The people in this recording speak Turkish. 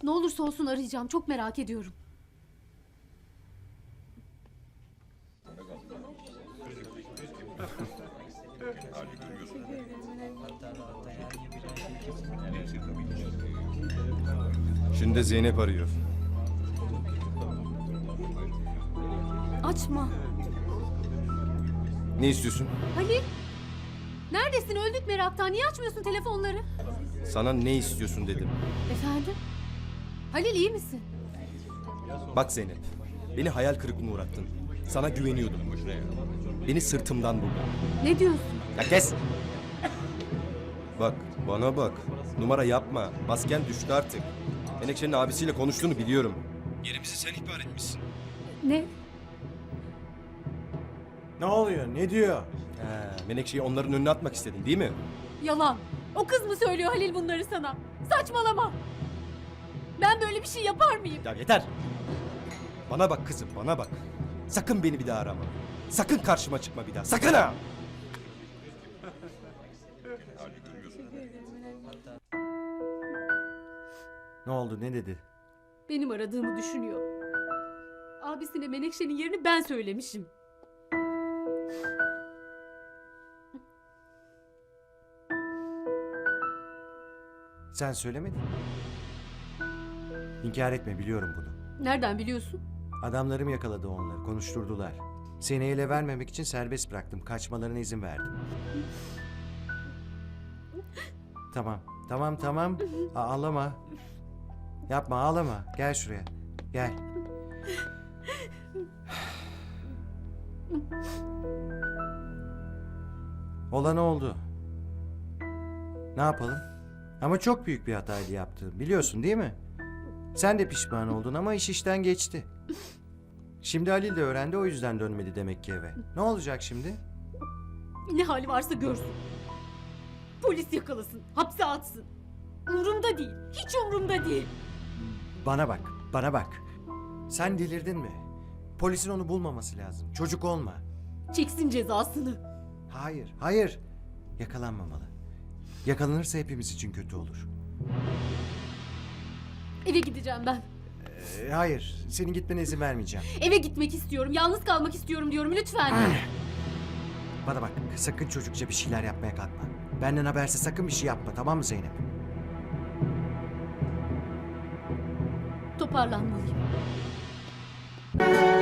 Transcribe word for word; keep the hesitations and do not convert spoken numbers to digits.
Ne olursa olsun arayacağım. Çok merak ediyorum. Şimdi de Zeynep arıyor. Açma. Ne istiyorsun? Halil. Neredesin? Öldük meraktan. Niye açmıyorsun telefonları? Sana ne istiyorsun dedim. Efendim? Halil iyi misin? Bak Zeynep, beni hayal kırıklığına uğrattın. Sana güveniyordum. Beni sırtımdan vurdun. Ne diyorsun? Ya kes! Bak, bana bak. Numara yapma. Masken düştü artık. Menekşe'nin abisiyle konuştuğunu biliyorum. Yerimizi sen ihbar etmişsin. Ne? Ne oluyor? Ne diyor? He, Menekşe'yi onların önüne atmak istedin değil mi? Yalan. O kız mı söylüyor Halil bunları sana? Saçmalama. Ben böyle bir şey yapar mıyım? Ya yeter! Bana bak kızım, bana bak. Sakın beni bir daha arama. Sakın karşıma çıkma bir daha. Sakın ha! Ne oldu? Ne dedi? Benim aradığımı düşünüyor. Abisine Menekşe'nin yerini ben söylemişim. Sen söylemedin mi? İnkar etme, biliyorum bunu. Nereden biliyorsun? Adamlarım yakaladı onları, konuşturdular. Seni ele vermemek için serbest bıraktım. Kaçmalarına izin verdim. Tamam, tamam, tamam. A- ağlama. Yapma, ağlama. Gel şuraya. Gel. Olan oldu. Ne yapalım? Ama çok büyük bir hataydı yaptığım. Biliyorsun değil mi? Sen de pişman oldun ama iş işten geçti. Şimdi Halil de öğrendi, o yüzden dönmedi demek ki eve. Ne olacak şimdi? Ne hali varsa görsün. Polis yakalasın, hapse atsın. Umurumda değil, hiç umurumda değil. Bana bak, bana bak. Sen delirdin mi? Polisin onu bulmaması lazım. Çocuk olma. Çeksin cezasını. Hayır, hayır. Yakalanmamalı. Yakalanırsa hepimiz için kötü olur. Eve gideceğim ben. Ee, hayır, senin gitmene izin vermeyeceğim. Eve gitmek istiyorum, yalnız kalmak istiyorum diyorum lütfen. Bana bak, sakın çocukça bir şeyler yapmaya kalkma. Benden habersiz sakın bir şey yapma, tamam mı Zeynep? Toparlanmalıyım.